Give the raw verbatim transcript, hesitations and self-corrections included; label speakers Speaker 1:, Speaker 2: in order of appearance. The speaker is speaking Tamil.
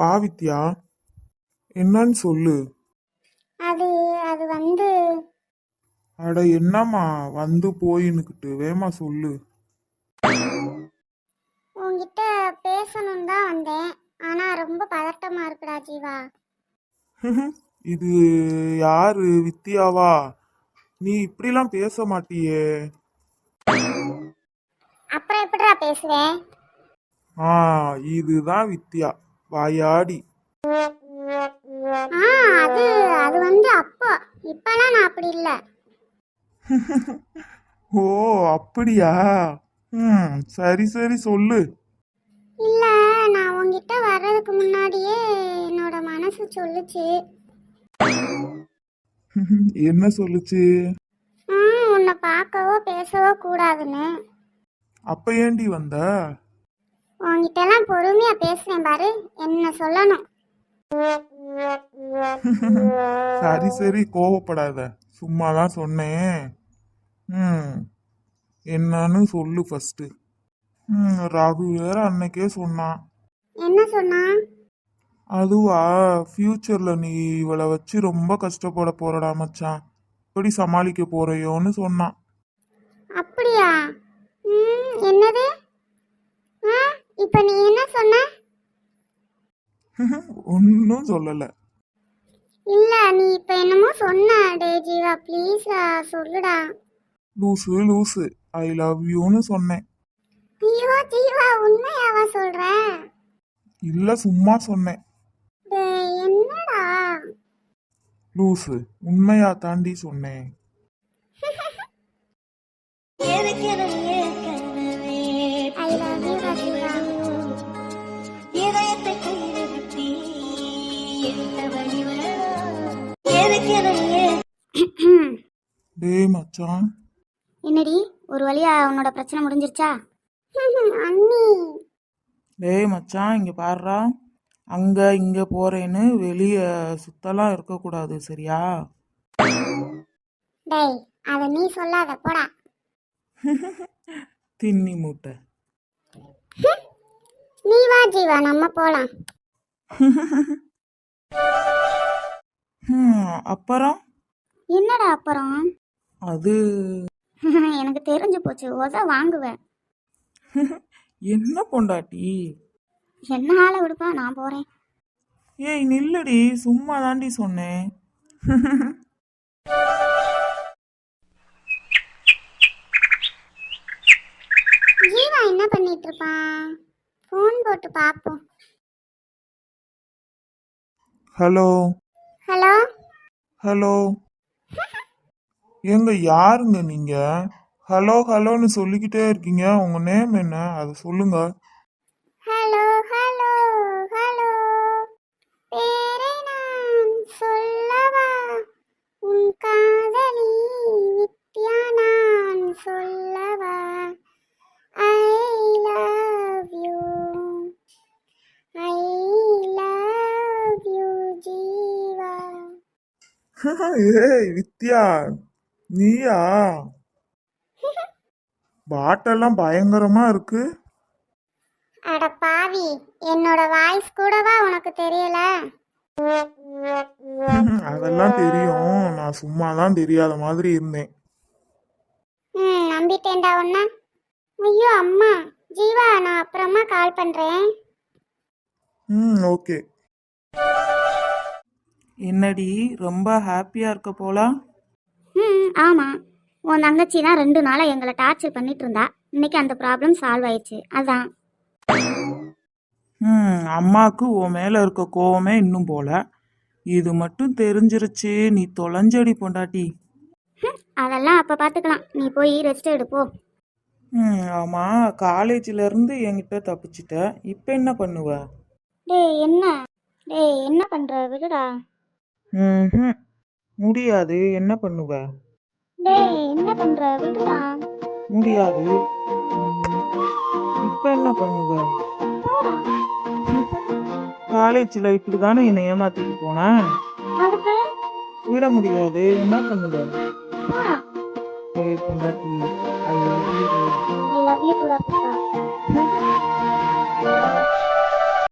Speaker 1: வா வித்யா, என்னன்னு சொல்லு.
Speaker 2: அது அது வந்து
Speaker 1: அட என்னம்மா வந்து போயின்னுக்கிட்டு வேமா சொல்லு.
Speaker 2: உன்கிட்ட பேசணும் தான் வந்தேன். ஆனா ரொம்ப பதட்டமா இருக்குடா ஜீவா.
Speaker 1: இது யாரு வித்யாவா? நீ இப்படிலாம் பேச மாட்டியே.
Speaker 2: அப்புறம் எப்படிடா பேசுவேன்?
Speaker 1: ஆ இதுதான் வித்யா, வாயாடி.
Speaker 2: ஆ அது அது வந்து அப்போ, இப்பெல்லாம் நான் அப்படி இல்லை.
Speaker 1: ஓ அப்படியா? ம் சரி சரி சொல்லு.
Speaker 2: இல்ல, நான் உன்கிட்ட வர்றதுக்கு முன்னாடியே என்னோட மனசு சொல்லுச்சு.
Speaker 1: என்ன சொல்லுச்சு?
Speaker 2: ஆ உன்னை பார்க்கவோ பேசவோ கூடாதுன்னு.
Speaker 1: அப்ப ஏண்டி வந்த?
Speaker 2: உன்கிட்டலாம் பொறுமையா பேசுறேன் பாரு, என்ன சொல்லணும்.
Speaker 1: சரி சரி கோவப்படாத, சும்மாதான் சொன்னேன். ம் என்னன்னு சொல்லு ஃபர்ஸ்ட். ம் ரகு வேற அன்னைக்கே சொன்னான்.
Speaker 2: என்ன சொன்னா?
Speaker 1: அதுவா, ஃபியூச்சர்ல நீ இவளை வச்சு ரொம்ப கஷ்டப்பட போறடா மச்சான், எப்படி சமாளிக்க போறையோன்னு சொன்னான்.
Speaker 2: அப்படியா? ம் என்னது? ஆ இப்போ நீ என்ன சொன்ன?
Speaker 1: ஒன்னும் சொல்லல.
Speaker 2: இல்ல, நீ இப்ப என்னமோ சொன்ன. டே ஜீவா ப்ளீஸ் சொல்லுடா.
Speaker 1: லூசு லூசு, ஐ லவ் யூன்னு சொன்னேன்.
Speaker 2: ஐயோ ஜீவா, உண்மையாவா சொல்ற?
Speaker 1: இல்ல சும்மா சொன்னேன்.
Speaker 2: டேய் என்னடா?
Speaker 1: லூசு, உண்மையா தாண்டி சொன்னேன்.
Speaker 2: I love you Jeeva.
Speaker 1: டேய் மச்சான்.
Speaker 2: என்னடி, ஒரு வழியா உன்னோட பிரச்சனை முடிஞ்சிருச்சா? அண்ணி.
Speaker 1: டேய் மச்சான், இங்க பாருடா, அங்க இங்க போறேன்னு வெளிய சுத்தலாம் இருக்கக்கூடாது, சரியா?
Speaker 2: டேய் அத நீ சொல்லாத, போடா.
Speaker 1: தின்னி மூட்டை.
Speaker 2: நீ வா ஜீவா, நம்ம போலாம்.
Speaker 1: ஹம், அப்புறம்
Speaker 2: என்னடா அப்புறம்?
Speaker 1: அது
Speaker 2: எனக்கு தெரிஞ்சு போச்சு, உத வாங்குவேன்.
Speaker 1: என்ன பொண்டாட்டி?
Speaker 2: என்ன ஆளை விடுப்பா, நான் போறேன்.
Speaker 1: ஏய் நில்லடி, சும்மா தாண்டி சொன்னேன்.
Speaker 2: ஜீவா என்ன பண்ணிட்டு இருப்பான்? ஃபோன் போட்டு பாப்போம்.
Speaker 1: ஹலோ
Speaker 2: ஹலோ
Speaker 1: ஹலோ, எங்க யாருங்க நீங்க? ஹலோ ஹலோன்னு சொல்லிக்கிட்டே இருக்கீங்க, உங்க நேம் என்ன அதை சொல்லுங்க.
Speaker 2: ஹலோ ஹலோ ஹலோ, பேரை நான் சொல்லவா? உன் காதலி வித்யா நான் சொல்லவா? I love you, I love you Jeeva.
Speaker 1: ஏய் வித்யா, நீயா? பாட்டெல்லாம் பயங்கரமா இருக்கு.
Speaker 2: அட பாவி, என்னோட வாய்ஸ் கூடவா உனக்கு தெரியல?
Speaker 1: அதெல்லாம் தெரியும், நான் சும்மாதான் தெரியாத மாதிரி இருந்தேன்.
Speaker 2: ம் நம்பிட்டேன்டா உன்ன. ஐயோ அம்மா. ஜீவா, நான் அப்புறமா கால் பண்றேன்.
Speaker 1: ம் ஓகே. என்னடி ரொம்ப ஹாப்பியா இருக்க போல?
Speaker 2: ம் ஆமாம், உன் தங்கச்சி தான் ரெண்டு நாளாக எங்களை டார்ச்சர் பண்ணிட்டு இருந்தா. இன்னைக்கு அந்த ப்ராப்ளம் சால்வ் ஆயிடுச்சு, அதான்.
Speaker 1: ம் அம்மாவுக்கு உன் மேல இருக்க கோவமே இன்னும் போல. இது மட்டும் தெரிஞ்சிருச்சு, நீ தொலைஞ்சடி பொண்டாட்டி.
Speaker 2: அதெல்லாம் அப்போ பார்த்துக்கலாம், நீ போய் ரெஸ்ட் எடுப்போ.
Speaker 1: ம் ஆமா, காலேஜ்ல இருந்து என்கிட்ட தப்பிச்சிட்ட, இப்போ என்ன பண்ணுவ?
Speaker 2: டேய் என்ன? டேய் என்ன பண்ற, விடுடா.
Speaker 1: ம் முடியாது, என்ன பண்ணுவ?
Speaker 2: டேய் என்ன பண்ற, விடுடா.
Speaker 1: முடியாது. இப்ப என்ன பண்ணுவ? காலேஜ்ல இப்படிதானே என்னை ஏமாத்திட்டு போன,
Speaker 2: அதுக்கு
Speaker 1: விட முடியாது, என்ன பண்ணுவ?
Speaker 2: போடா.
Speaker 1: ஏய் பொண்டாட்டி, I love you.
Speaker 2: I love you கூட.